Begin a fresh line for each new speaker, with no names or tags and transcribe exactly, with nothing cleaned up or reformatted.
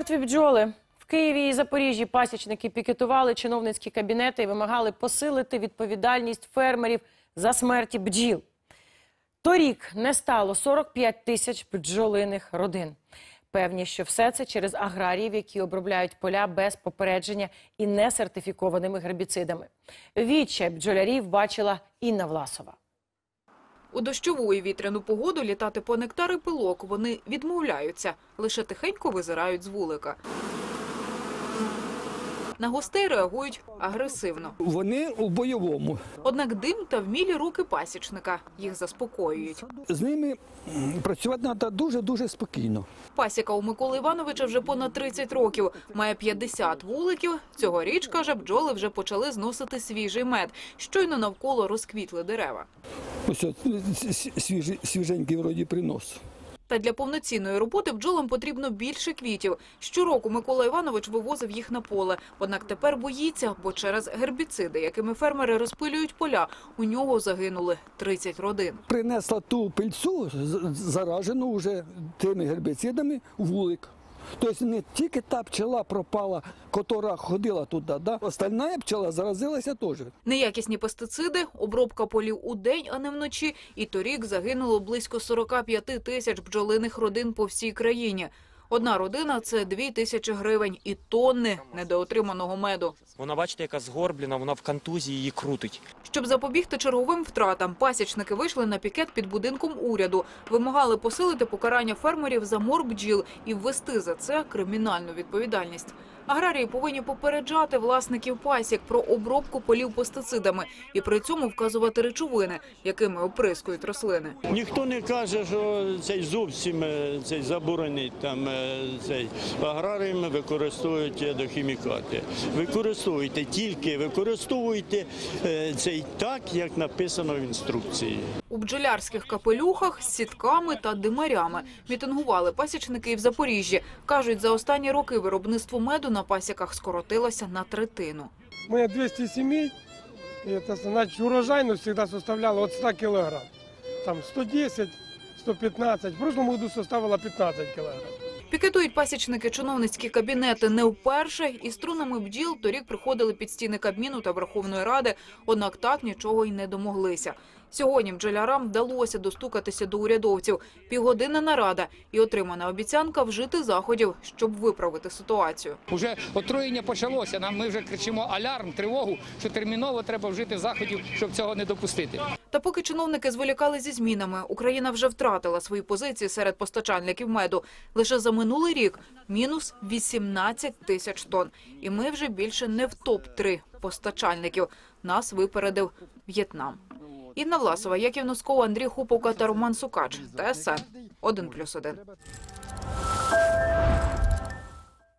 Мертві бджоли. В Києві і Запоріжжі пасічники пікетували чиновницькі кабінети і вимагали посилити відповідальність фермерів за смерті бджіл. Торік не стало сорок п'ять тисяч бджолиних родин. Певні, що все це через аграріїв, які обробляють поля без попередження і несертифікованими гербіцидами. Відчай бджолярів бачила Інна Власова.
У дощову і вітряну погоду літати по нектар і пилок вони відмовляються, лише тихенько визирають з вулика. На гостей реагують агресивно.
Вони у бойовому.
Однак дим та вмілі руки пасічника їх заспокоюють.
З ними працювати треба дуже-дуже спокійно.
Пасіка у Миколи Івановича вже понад тридцять років. Має п'ятдесят вуликів. Цьогоріч, каже, бджоли вже почали зносити свіжий мед. Щойно навколо розквітли дерева.
Ось от, свіжий, свіженький вроді принос.
Та для повноцінної роботи бджолам потрібно більше квітів. Щороку Микола Іванович вивозив їх на поле. Однак тепер боїться, бо через гербіциди, якими фермери розпилюють поля, у нього загинули тридцять родин.
Принесла ту пильцю, заражену вже тими гербіцидами, в вулик. Тобто не тільки та пчела пропала, яка ходила туди, да? Остальна пчела заразилася теж.
Неякісні пестициди, обробка полів у день, а не вночі. І торік загинуло близько сорока п'яти тисяч бджолиних родин по всій країні. Одна родина – це дві тисячі гривень і тонни недоотриманого меду.
Вона, бачите, яка згорблена, вона в контузії, її крутить.
Щоб запобігти черговим втратам, пасічники вийшли на пікет під будинком уряду. Вимагали посилити покарання фермерів за мор бджіл і ввести за це кримінальну відповідальність. Аграрії повинні попереджати власників пасік про обробку полів пестицидами і при цьому вказувати речовини, якими оприскують рослини.
Ніхто не каже, що цей зовсім цей заборонить там цей аграріями використовують ядохімікати. Використовуйте тільки використовуйте цей так, як написано в інструкції.
У бджолярських капелюхах з сітками та димарями мітингували пасічники і в Запоріжжі. Кажуть, за останні роки виробництво меду на пасіках скоротилося на третину.
Ми двісті сімей, і це, значить, урожайність завжди составляла від ста кілограм. Там сто десять - сто п'ятнадцять, в прошлому році составила п'ятнадцять кілограм.
Пікетують пасічники чиновницькі кабінети не вперше. Із струнами бджіл торік приходили під стіни Кабміну та Верховної Ради, однак так нічого й не домоглися. Сьогодні бджолярам вдалося достукатися до урядовців. Півгодини нарада і отримана обіцянка вжити заходів, щоб виправити ситуацію.
Уже отруєння почалося, нам ми вже кричимо алярм, тривогу, що терміново треба вжити заходів, щоб цього не допустити.
Та поки чиновники зволікали зі змінами, Україна вже втратила свої позиції серед постачальників меду. Лише за минулий рік мінус вісімнадцять тисяч тонн. І ми вже більше не в топ три постачальників. Нас випередив В'єтнам. Інна Власова, Яків Носков, Андрій Хуповка та Роман Сукач. Т С Н один плюс один.